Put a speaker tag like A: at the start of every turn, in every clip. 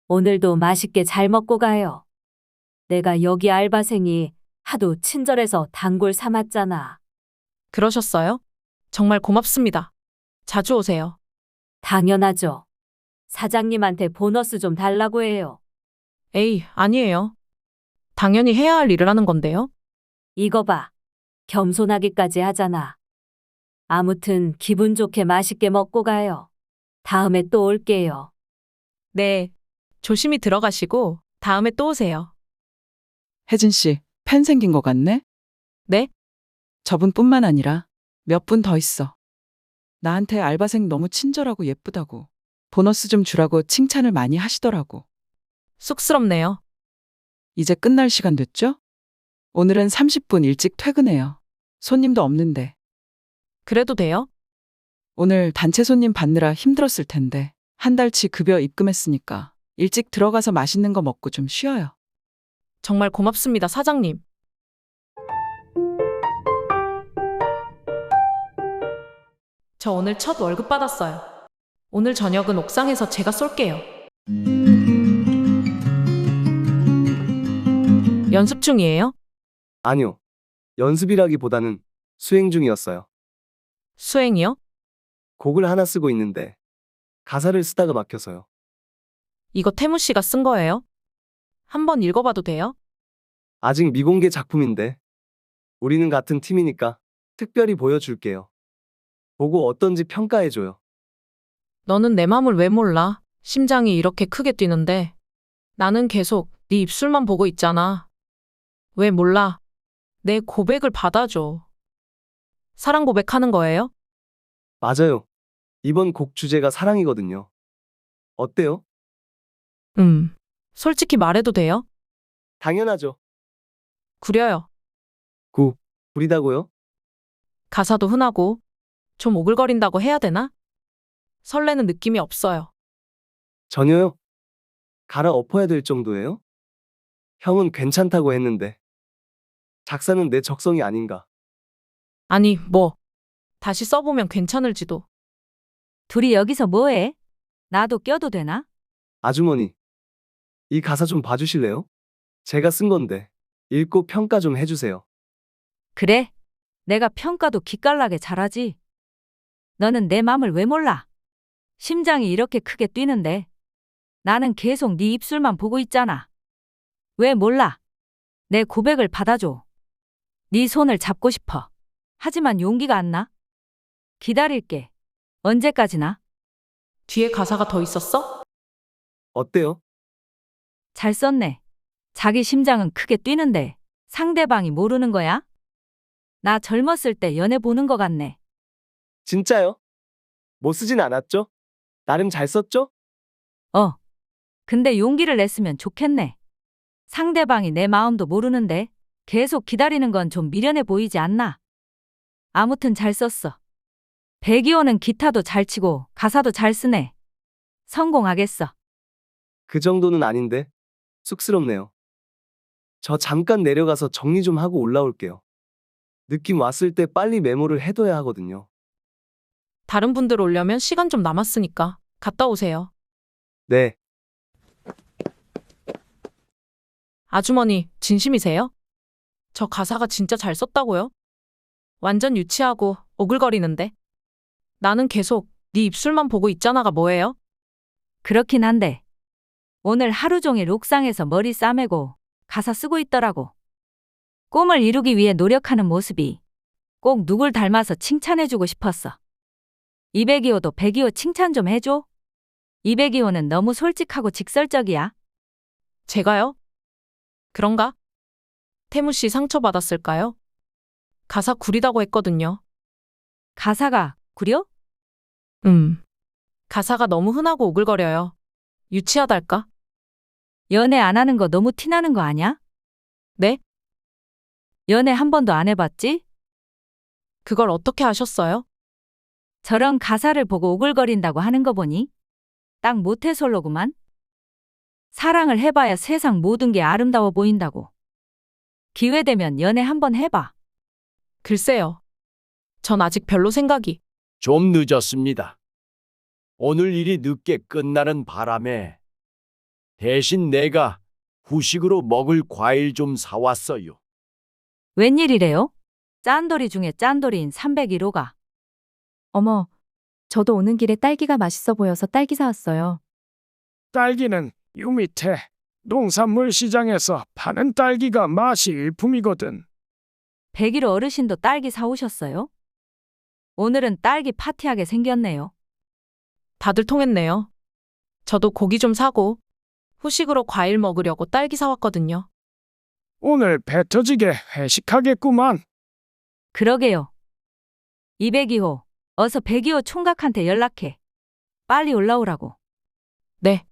A: 오늘도 맛있게 잘 먹고 가요. 내가 여기 알바생이 하도 친절해서 단골 삼았잖아.
B: 그러셨어요? 정말 고맙습니다. 자주 오세요.
A: 당연하죠. 사장님한테 보너스 좀 달라고 해요.
B: 에이, 아니에요. 당연히 해야 할 일을 하는 건데요.
A: 이거 봐. 겸손하기까지 하잖아. 아무튼 기분 좋게 맛있게 먹고 가요. 다음에 또 올게요.
B: 네. 조심히 들어가시고 다음에 또 오세요.
C: 혜진 씨, 팬 생긴 것 같네?
B: 네?
C: 저분뿐만 아니라 몇 분 더 있어. 나한테 알바생 너무 친절하고 예쁘다고. 보너스 좀 주라고 칭찬을 많이 하시더라고.
B: 쑥스럽네요.
C: 이제 끝날 시간 됐죠? 오늘은 30분 일찍 퇴근해요. 손님도 없는데.
B: 그래도 돼요?
C: 오늘 단체 손님 받느라 힘들었을 텐데. 한 달치 급여 입금했으니까 일찍 들어가서 맛있는 거 먹고 좀 쉬어요.
B: 정말 고맙습니다, 사장님. 저 오늘 첫 월급 받았어요. 오늘 저녁은 옥상에서 제가 쏠게요. 연습 중이에요?
D: 아니요. 연습이라기보다는 수행 중이었어요.
B: 수행이요?
D: 곡을 하나 쓰고 있는데 가사를 쓰다가 막혀서요.
B: 이거 태무 씨가 쓴 거예요? 한번 읽어봐도 돼요?
D: 아직 미공개 작품인데 우리는 같은 팀이니까 특별히 보여줄게요. 보고 어떤지 평가해줘요.
B: 너는 내 맘을 왜 몰라? 심장이 이렇게 크게 뛰는데. 나는 계속 네 입술만 보고 있잖아. 왜 몰라? 내 고백을 받아줘. 사랑 고백하는 거예요?
D: 맞아요. 이번 곡 주제가 사랑이거든요. 어때요?
B: 솔직히 말해도 돼요?
D: 당연하죠.
B: 구려요.
D: 구리다고요?
B: 가사도 흔하고 좀 오글거린다고 해야 되나? 설레는 느낌이 없어요.
D: 전혀요. 갈아엎어야 될 정도예요? 형은 괜찮다고 했는데 작사는 내 적성이 아닌가.
B: 아니, 다시 써보면 괜찮을지도.
A: 둘이 여기서 뭐해? 나도 껴도 되나?
D: 아주머니, 이 가사 좀 봐주실래요? 제가 쓴 건데 읽고 평가 좀 해주세요.
A: 그래. 내가 평가도 기깔나게 잘하지. 너는 내 맘을 왜 몰라? 심장이 이렇게 크게 뛰는데. 나는 계속 네 입술만 보고 있잖아. 왜 몰라? 내 고백을 받아줘. 네 손을 잡고 싶어. 하지만 용기가 안 나. 기다릴게. 언제까지나?
B: 뒤에 가사가 더 있었어?
D: 어때요?
A: 잘 썼네. 자기 심장은 크게 뛰는데 상대방이 모르는 거야? 나 젊었을 때 연애 보는 거 같네.
D: 진짜요? 못 쓰진 않았죠? 나름 잘 썼죠?
A: 근데 용기를 냈으면 좋겠네. 상대방이 내 마음도 모르는데 계속 기다리는 건 좀 미련해 보이지 않나? 아무튼 잘 썼어. 백이호는 기타도 잘 치고 가사도 잘 쓰네. 성공하겠어.
D: 그 정도는 아닌데 쑥스럽네요. 저 잠깐 내려가서 정리 좀 하고 올라올게요. 느낌 왔을 때 빨리 메모를 해둬야 하거든요.
B: 다른 분들 오려면 시간 좀 남았으니까 갔다 오세요.
D: 네,
B: 아주머니, 진심이세요? 저 가사가 진짜 잘 썼다고요? 완전 유치하고 오글거리는데. 나는 계속 네 입술만 보고 있잖아가 뭐예요?
A: 그렇긴 한데 오늘 하루 종일 옥상에서 머리 싸매고 가사 쓰고 있더라고. 꿈을 이루기 위해 노력하는 모습이 꼭 누굴 닮아서 칭찬해주고 싶었어. 이백이호도 백이호 칭찬 좀 해줘. 이백이호는 너무 솔직하고 직설적이야.
B: 제가요? 그런가? 태무 씨 상처받았을까요? 가사 구리다고 했거든요.
A: 가사가 구려?
B: 가사가 너무 흔하고 오글거려요. 유치하달까?
A: 연애 안 하는 거 너무 티나는 거 아냐?
B: 네?
A: 연애 한 번도 안 해봤지?
B: 그걸 어떻게 아셨어요?
A: 저런 가사를 보고 오글거린다고 하는 거 보니 딱 모태솔로구만. 사랑을 해봐야 세상 모든 게 아름다워 보인다고. 기회되면 연애 한번 해봐.
B: 글쎄요. 전 아직 별로 생각이.
E: 좀 늦었습니다. 오늘 일이 늦게 끝나는 바람에 대신 내가 후식으로 먹을 과일 좀 사왔어요.
A: 웬일이래요? 짠돌이 중에 짠돌이인 301호가.
F: 어머, 저도 오는 길에 딸기가 맛있어 보여서 딸기 사왔어요.
G: 딸기는 요 밑에 농산물 시장에서 파는 딸기가 맛이 일품이거든.
A: 101호 어르신도 딸기 사오셨어요? 오늘은 딸기 파티하게 생겼네요.
B: 다들 통했네요. 저도 고기 좀 사고 후식으로 과일 먹으려고 딸기 사왔거든요.
G: 오늘 배 터지게 회식하겠구만.
A: 그러게요. 202호, 어서 102호 총각한테 연락해. 빨리 올라오라고.
B: 네.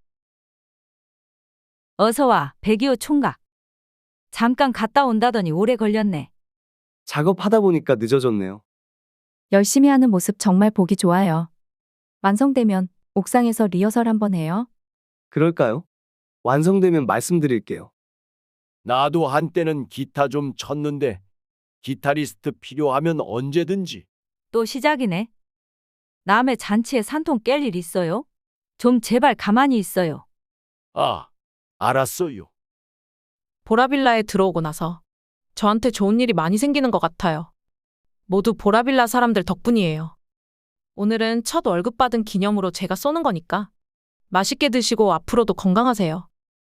A: 어서 와, 102호 총각. 잠깐 갔다 온다더니 오래 걸렸네.
D: 작업하다 보니까 늦어졌네요.
F: 열심히 하는 모습 정말 보기 좋아요. 완성되면 옥상에서 리허설 한번 해요.
D: 그럴까요? 완성되면 말씀드릴게요.
E: 나도 한때는 기타 좀 쳤는데 기타리스트 필요하면 언제든지.
A: 또 시작이네. 남의 잔치에 산통 깰 일 있어요? 좀 제발 가만히 있어요.
E: 아, 알았어요.
B: 보라빌라에 들어오고 나서 저한테 좋은 일이 많이 생기는 것 같아요. 모두 보라빌라 사람들 덕분이에요. 오늘은 첫 월급 받은 기념으로 제가 쏘는 거니까 맛있게 드시고 앞으로도 건강하세요.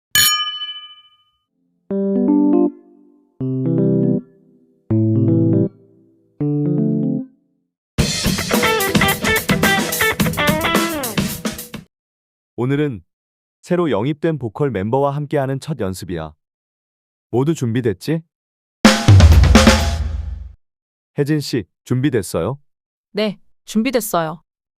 H: 오늘은 새로 영입된 보컬 멤버와 함께하는 첫 연습이야. 모두 준비됐지? 혜진 씨, 준비됐어요?
B: 네, 준비됐어요.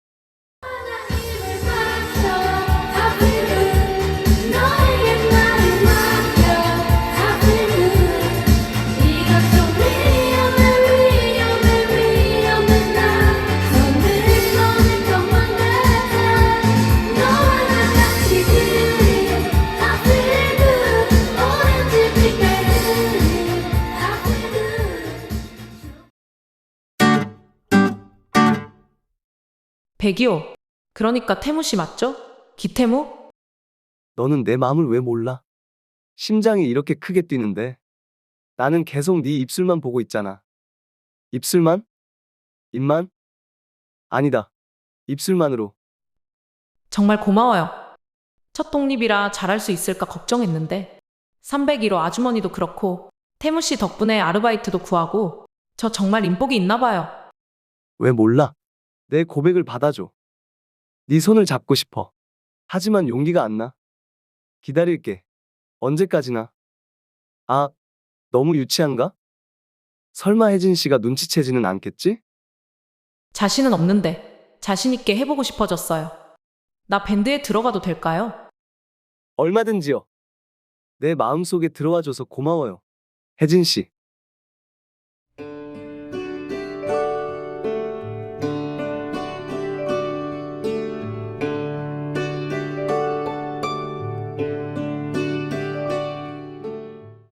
B: 백이호. 그러니까 태무 씨 맞죠? 기태무?
D: 너는 내 마음을 왜 몰라? 심장이 이렇게 크게 뛰는데. 나는 계속 네 입술만 보고 있잖아. 입술만? 입만? 아니다. 입술만으로.
B: 정말 고마워요. 첫 독립이라 잘할 수 있을까 걱정했는데 301호 아주머니도 그렇고 태무 씨 덕분에 아르바이트도 구하고 저 정말 인복이 있나 봐요.
D: 왜 몰라? 내 고백을 받아줘. 네 손을 잡고 싶어. 하지만 용기가 안 나. 기다릴게. 언제까지나. 아, 너무 유치한가? 설마 혜진 씨가 눈치채지는 않겠지?
B: 자신은 없는데 자신 있게 해보고 싶어졌어요. 나 밴드에 들어가도 될까요?
D: 얼마든지요. 내 마음속에 들어와줘서 고마워요. 혜진 씨.